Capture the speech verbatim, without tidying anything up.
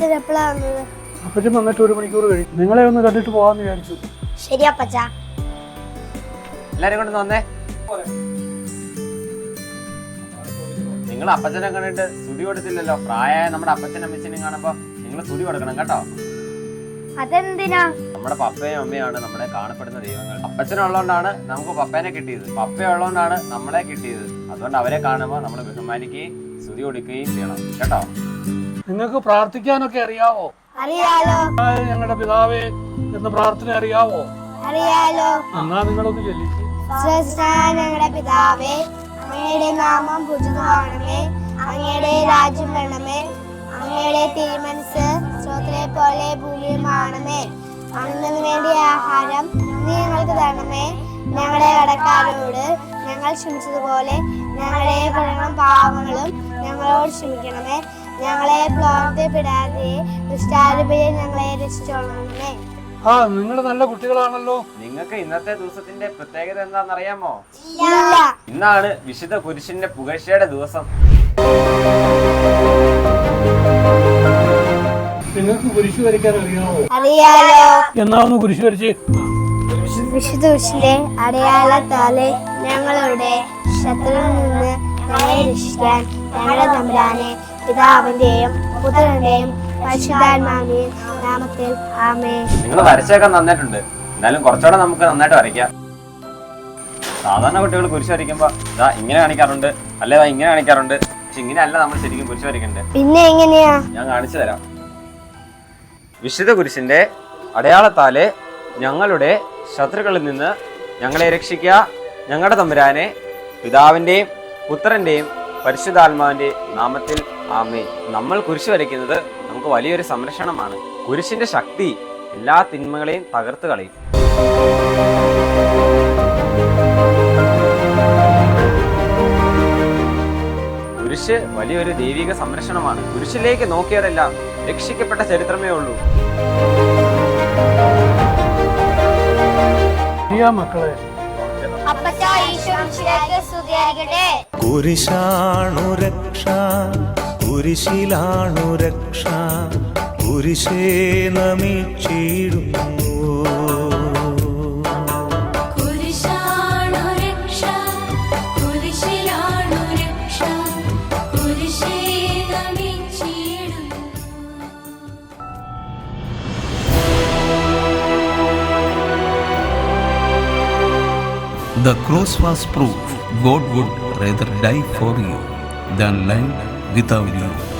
അപ്പച്ചൻ എപ്പോഴാ വന്നത്? അപ്പച്ചൻ വന്നിട്ട് ഒരു മണിക്കൂർ കഴിയും. നിങ്ങളെ ഒന്ന് കണ്ടിട്ട് പോവാന്ന് വിചാരിച്ചു. ശരി അപ്പച്ച. എല്ലാരും കൊണ്ട് വന്നേ. നിങ്ങൾ അപ്പച്ചനെ കണ്ടിട്ട് സ്തുതി കൊടുത്തില്ലല്ലോ. പ്രായമായ നമ്മുടെ അപ്പച്ചനും അമ്മച്ചനും കാണുമ്പോ നിങ്ങൾ സ്തുതി കൊടുക്കണം കേട്ടോ. അതെന്തിനാ? നമ്മുടെ പപ്പയും അമ്മയാണ് നമ്മുടെ കാണപ്പെടുന്ന ദൈവങ്ങൾ. അപ്പച്ചനുള്ളതുകൊണ്ടാണ് നമുക്ക് പപ്പേനെ കിട്ടിയത്, പപ്പയുള്ളതുകൊണ്ടാണ് നമ്മളെ കിട്ടിയത്. അതുകൊണ്ട് അവരെ കാണുമ്പോൾ നമ്മൾ ബഹുമാനിക്കുകയും സ്തുതി കൊടുക്കുകയും ചെയ്യണം കേട്ടോ. നിങ്ങൾക്ക് പ്രാർത്ഥിക്കാനൊക്കെ അറിയാവോ? അറിയാലോ. ഞങ്ങളുടെ പിതാവേ എന്ന് പ്രാർത്ഥന അറിയാവോ? അറിയാലോ. എന്നാ നിങ്ങളൊന്ന് ചൊല്ലിക്ക്. ഞങ്ങളുടെ പിതാവേ, അങ്ങയുടെ നാമം പൂജിതമാകണമേ, അങ്ങയുടെ രാജ്യം വരണമേ, അങ്ങയുടെ തിരുമനസ് സ്രോതരെ പോലെ ഭൂമിയുമാണമേ. അന്നു വേണ്ടി ആഹാരം നീ ഞങ്ങൾക്ക് തരണമേ. ഞങ്ങളുടെ കടക്കാരോട് ഞങ്ങൾ ക്ഷമിച്ചതുപോലെ ഞങ്ങളുടെ കടങ്ങളും പാവങ്ങളും ഞങ്ങളോട് ക്ഷമിക്കണമേ. ഞങ്ങളെ പ്രവർത്തിപ്പെടാതെ ദുഷ്ടാരൂപയെ ഞങ്ങളെ രക്ഷിച്ചോളണമേ. ആ നിങ്ങൾ നല്ല കുട്ടികളാണല്ലോ. നിങ്ങൾക്ക് ഇന്നത്തെ ദിവസത്തിന്റെ പ്രത്യേകത എന്താണെന്നറിയാമോ? ഇല്ല. ഇന്നാണ് വിശുദ്ധ കുരിശിന്റെ പുകഴ്ചയുടെ ദിവസം. നിങ്ങൾക്ക് കുരിശ് വരയ്ക്കാൻ അറിയാമോ? അറിയാലോ. എന്നാ ഒന്ന് കുരിശ് വരച്ച്. വിശുദ്ധ കുരിശിന്റെ അടയാളത്താലെ ഞങ്ങളുടെ ശത്രുവിൽ നിന്ന് ഞങ്ങളെ രക്ഷിക്കാൻ ഞങ്ങളുടെ തമ്പുരാനെ പിതാവിന്റെയും പുത്രന്റെയും പരിശുദ്ധാത്മാവിന്റെയും നാമത്തിൽ ആമേൻ. നിങ്ങൾ വരച്ചൊക്കെ നന്നായിട്ടുണ്ട്, എന്നാലും കുറച്ചുകൂടെ നമുക്ക് നന്നായിട്ട് വരയ്ക്കാം. സാധാരണ കുട്ടികൾ കുരിശ് വരയ്ക്കുമ്പോ ഇതാ ഇങ്ങനെ കാണിക്കാറുണ്ട്, അല്ലെ ഇങ്ങനെ കാണിക്കാറുണ്ട്. പക്ഷെ ഇങ്ങനെയല്ല നമ്മൾ ശരിക്കും കുരിശ് വരയ്ക്കണ്ടേ. പിന്നെ എങ്ങനെയാ? ഞാൻ കാണിച്ചു തരാം. വിശുദ്ധ കുരിശിന്റെ അടയാളത്താലെ ഞങ്ങളുടെ ശത്രുക്കളിൽ നിന്ന് ഞങ്ങളെ രക്ഷിക്കുക, ഞങ്ങളുടെ തമ്പുരാനെ പിതാവിന്റെയും പുത്രന്റെയും പരിശുദ്ധാത്മാവിന്റെ നാമത്തിൽ ആമേൻ. നമ്മൾ കുരിശ് വരയ്ക്കുന്നത് നമുക്ക് വലിയൊരു സംരക്ഷണമാണ്. കുരിശിന്റെ ശക്തി എല്ലാ തിന്മകളെയും തകർത്ത് കളയും. കുരിശ് വലിയൊരു ദൈവിക സംരക്ഷണമാണ്. കുരിശിലേക്ക് നോക്കിയവരെല്ലാം രക്ഷിക്കപ്പെട്ട ചരിത്രമേ ഉള്ളൂ. മക്കളെ, കുരിശാണു രക്ഷ, കുരിശിലാണു രക്ഷ, കുരിശേ നമിച്ചിടുന്നു. The cross was proof God would rather die for you than live without you.